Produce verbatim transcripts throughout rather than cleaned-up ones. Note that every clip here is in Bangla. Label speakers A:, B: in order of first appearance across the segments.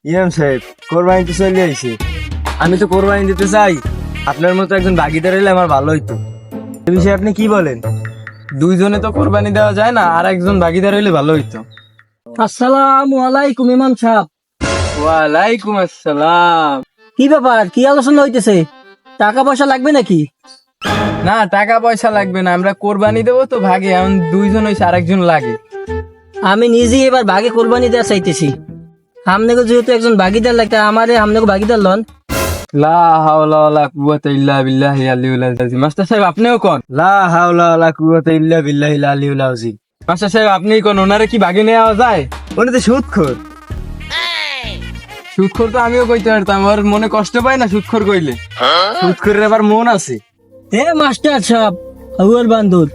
A: ইমাম সাহেব কোরবানি তো চলে আইছে, আমি তো কোরবানি দিতে চাই, আপনার মতো একজন ভাগিদার হলে আমার ভালো হইতো। এই বিষয়ে আপনি কি বলেন?
B: দুইজনে তো কোরবানি দেওয়া যায় না, আর একজন ভাগিদার হইলে ভালো হইতো।
C: আসসালামু আলাইকুম ইমাম সাহেব।
B: ওয়ালাইকুম আসসালাম।
C: কি ব্যাপার, কি আলোচনা হইতেছে? টাকা পয়সা লাগবে নাকি?
B: না, টাকা পয়সা লাগবে না, আমরা কোরবানি দেবো তো ভাগে, এখন দুইজন হইছে, আরেকজন লাগে।
C: আমি নিজেই এবার ভাগে কোরবানি দেওয়া চাইতেছি। আমনেকে যেহেতু একজন ভাগিদার লাগতে, আমারে আমনেকে ভাগিদার লন।
B: লা হাওলা ওয়ালা কুওয়াতা ইল্লা বিল্লাহি আলিউল আযীম। মাস্টার সাহেব আপনিও কোন।
A: লা হাওলা ওয়ালা কুওয়াতা ইল্লা বিল্লাহিল আলিয়্যিল আযীম।
B: মাস্টার সাহেব আপনিই কোন, ওনারে কি ভাগে নেওয়া যায়?
A: উনি তো সুদখোর।
B: সুদখোর তো আমিও কইতে পারতাম, ওর মনে কষ্ট পায় না সুদখোর কইলে।
A: সুদখোরের আবার মন আছে।
C: এ মাস্টার সাহেব, আউয়ার বান্দর,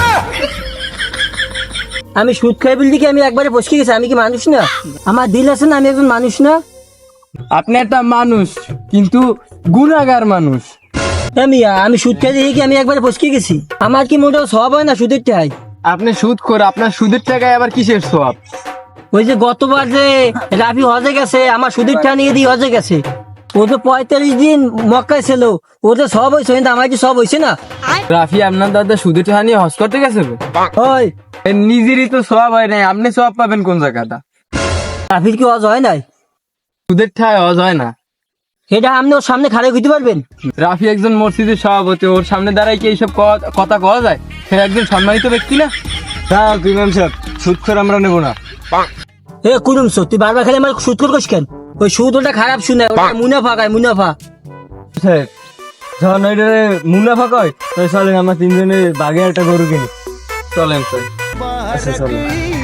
C: আমি সুদ খাই বলতে কি আমি একবারে বসকে গেছি? আমি কি মানুষ না? আমার দিল আছে না? আমি একজন মানুষ না?
B: আপনি একটা মানুষ, কিন্তু গুনাহগার মানুষ।
C: এ মিয়া, আমি সুদ খাই দেখি কি আমি একবারে বসকে গেছি? আমার কি মোটেও সব হয় না সুদের টাই?
B: আপনি সুদখোর, আপনার সুদের টাকায় আবার কিসের সওয়াব?
C: ওই যে গতবার যে রাফি হজে গেছে, আমার সুদের টাকা নিয়ে দিয়ে হজে গেছে, ও তো পঁয়তাল্লিশ দিন মক্কায় ছিল, ও তো সব হয়েছে, কিন্তু আমার কি সব হয়েছে না?
B: রাফি আপনার দাদা সুদের টাকা নিয়ে হজ করতে গেছে গো?
C: ওই
B: এর নিজেরই তো সওয়াব হয় নাই, আপনি সওয়াব পাবেন কোন জায়গাটা?
C: রাফির কি হজ হয় নাই?
B: সুদের টাকায় হজ হয় না।
C: এটা আপনি ওর সামনে খাড়ে হইতে পারবেন?
B: রাফি একজন মসজিদের সভাপতি, ওর সামনে দাঁড়ায় কি এইসব ক- কথা কওয়া যায়? সে একজন সম্মানিত ব্যক্তি না?
A: হ্যাঁ ইমাম সাহেব, সুদখোর আমরা নেব না।
C: এ কুরুম সো, তুই বারবার খালি আমার সুদ করছিস কেন? ওই সুদ ওটা খারাপ শুনে, ওটা মুনাফা খায়, মুনাফা।
A: সাহেব যখন ওইটারে মুনাফা কয়, তাই চলেন আমরা তিনজনে বাগে একটা গরু কিনি।
B: চলেন স্যার।
A: আচ্ছা চলেন।